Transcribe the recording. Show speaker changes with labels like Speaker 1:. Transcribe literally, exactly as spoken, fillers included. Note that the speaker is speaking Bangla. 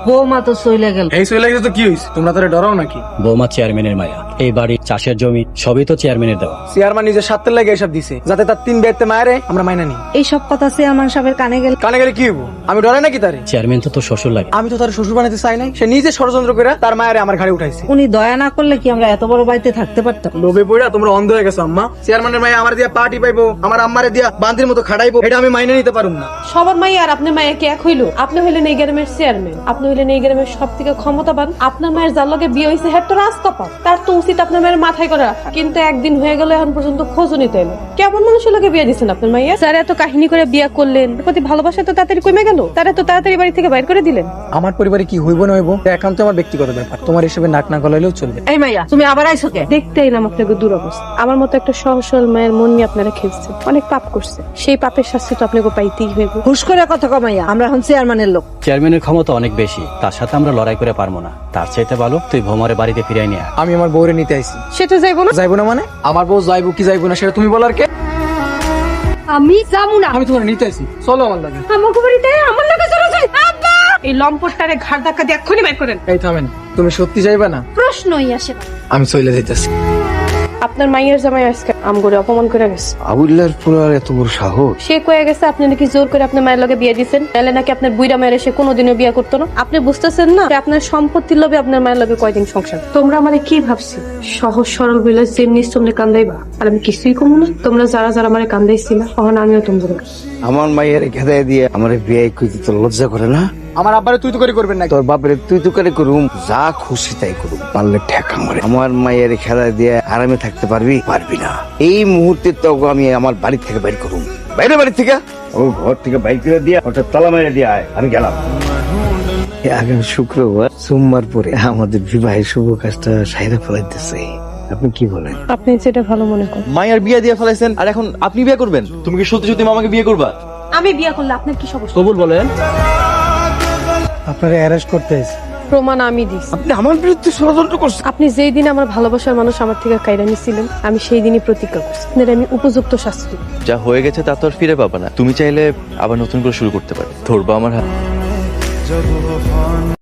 Speaker 1: বৌমা তো চলে গেল।
Speaker 2: এই চলে গেছে তো কি হইছে? তোমরা তারে ডরাও নাকি?
Speaker 3: বৌমা চেয়ারম্যানের মায়া, এই বাড়ি চাষের জমি সবই তো চেয়ারম্যানের দেওয়া।
Speaker 2: চেয়ারম্যান নিজের স্বার্থের লাগে এসব দিছে, যাতে তার তিন বেতে মায়েরে আমরা মাইনা নিই।
Speaker 1: এই সব কথা চেয়ারম্যান সাহেবের কানে গেল।
Speaker 2: কানে গেলে কি হইব? আমি ডরাই নাকি তারে?
Speaker 3: চেয়ারম্যান তো তোর শ্বশুর লাগে।
Speaker 2: আমি তো তার শ্বশুর বানাতে চাই নাই, সে নিজে ষড়যন্ত্র করে তার মায়েরে আমার ঘাড়ে উঠাইছে।
Speaker 1: উনি দয়া না করলে কি আমরা এত বড় বাড়িতে থাকতে পারতাম?
Speaker 2: লোভে পড়া তোমরা অন্ধ হয়ে গেছো আম্মা। চেয়ারম্যানের মায়ে আমার দিয়া পার্টি পাইবো, আমার আম্মারে দিয়া বান্দির মতো খাড়াইবো, এটা আমি মাইনে নিতে পারুম না।
Speaker 4: সবার মাইয়া আর আপনার মায়ের কি এক হইলো? আপনি হইলেন এই গ্রামের চেয়ারম্যান, আপনি হইলেন এই গ্রামের সব থেকে ক্ষমতাবান। আপনার মায়ের যার লগে বিয়ে হয়েছে হ্যাঁ তো রাস্তা পান, তার তো উচিত আপনার মায়ের মাথায় করে রাখা। কিন্তু একদিন হয়ে গেল, এখন পর্যন্ত খোঁজও নিতে এলো। কেমন মানুষের লগে বিয়ে দিচ্ছেন আপনার মাইয়া? স্যার এত কাহিনী করে বিয়ে করলেন, এর প্রতি ভালোবাসা তো তাড়াতাড়ি কমে গেল, তারা তো তাড়াতাড়ি বাড়ি থেকে বাইর করে দিলেন।
Speaker 2: আমার পরিবারে কি হইব না হইব একান্ত আমার ব্যক্তিগত ব্যাপার, তোমার হিসেবে নাক না গলাইলেও চলবে।
Speaker 1: এই মাইয়া, তুমি আবার আইছো কে?
Speaker 4: দেখতে এলাম আপনাকে দুরবস্থা। আমার মতো একটা সহজ সরল মায়ের মন নিয়ে আপনারা খেলছেন, অনেক পাপ করছে, সেই পাপের শাস্তি তো আপনাকে পাইতেই হইব।
Speaker 1: হুশ করে কথা কমাইয়া, আমরা এখন চেয়ারম্যানের লোক।
Speaker 3: চেয়ারম্যানের ক্ষমতা অনেক বেশি, তার সাথে আমরা লড়াই করে পারবো না। তার চাইতে ভালো তুই ভৌমারে বাড়িতে ফিরাই নিয়ে আয়।
Speaker 2: আমি আমার বউরে নিতে আইছি।
Speaker 4: সেটা যাইবো না।
Speaker 2: যাইবো না মানে? আমার বউ যাইবো কি যাইবো না সেটা তুমি বলার কে?
Speaker 4: আমি যাবো না।
Speaker 2: আমি তোমার নিতে আইছি, চলো আমার লাগে।
Speaker 4: আমাকে বাড়িতে আমার লগে চলে যাই। আব্বা, এই লম্পটটারে ঘাড় ধাক্কা দিয়ে এক্ষুনি বের করেন।
Speaker 2: এই থামেন, তুমি সত্যি যাইবা না?
Speaker 4: প্রশ্নই আসে না।
Speaker 2: আমি চলে যাইতেছি।
Speaker 4: আপনার মাইয়ের জামাই আজকে আমগরে অপমান করে গেছে।
Speaker 5: আবুল্লার পুরার এত বড় সাহস!
Speaker 4: সে কয়ে গেছে আপনি নাকি জোর করে আপনার মায়ের লগে বিয়ে দিয়েছেন, তাহলে নাকি আপনার বুইরা মায়ের সে কোনোদিনও বিয়ে করতো না। আপনি বুঝতেছেন না যে আপনার সম্পত্তির লোভে আপনার মায়ের লগে কয়দিন সংসার। তোমরা মানে কি ভাবছি সহজ সরল বলে যেমনি তোমরা কান্দাইবা, আর আমি কিছুই কমু না। তোমরা যারা যারা মানে কান্দাইছিল, তখন আমিও তোমাদের
Speaker 5: আমার মায়ের খেদাই দিয়ে আমার বিয়ে কইতে তো লজ্জা করে না?
Speaker 2: আমার আব্বারে তুই তো করে করবেন না।
Speaker 5: তোর বাপের তুই তো করে করুম, যা খুশি তাই করুম, পারলে ঠেকা মারে। আমার মায়ের খেদাই দিয়ে আরামে থাকতে পারবি? পারবি না। এই মুহূর্তে তো আমি আমার বাড়ি থেকে বাইর করুম। বাইরে বাড়ি থেকে ও ঘর থেকে বাইর করে দিয়া ওটা তালা মেরে দিয়ে আয়, আমি গেলাম। এই আগামী শুক্রবার সোমবার পরে আমাদের বিবাহের শুভ কাজটা সাইরা ফেলাইতেছে। আপনি কি বলেন?
Speaker 4: আপনি যেটা ভালো মনে করেন।
Speaker 6: মায়ের বিয়ে দিয়ে ফেলাইছেন, আর এখন আপনি বিয়ে করবেন? তুমি কি সত্যি সত্যি মামাকে বিয়ে করবা?
Speaker 4: আমি বিয়ে করলে আপনার কি সমস্যা?
Speaker 6: কবুল বলেন।
Speaker 2: আপনারা অ্যারেস্ট করতে আইছি।
Speaker 4: প্রমাণ আমি দিছি।
Speaker 5: আপনি আমার বিরুদ্ধে ষড়যন্ত্র করছেন।
Speaker 4: আপনি যেই দিন আমার ভালোবাসার মানুষ আমার থেকে কাইরা নিছিলেন, আমি সেই দিনই প্রতিজ্ঞা করছি আপনার আমি উপযুক্ত শাস্তি দেব।
Speaker 6: যা হয়ে গেছে তা তো আর ফিরে পাবা না। তুমি চাইলে আবার নতুন করে শুরু করতে পারো। ধরবা আমার হাত।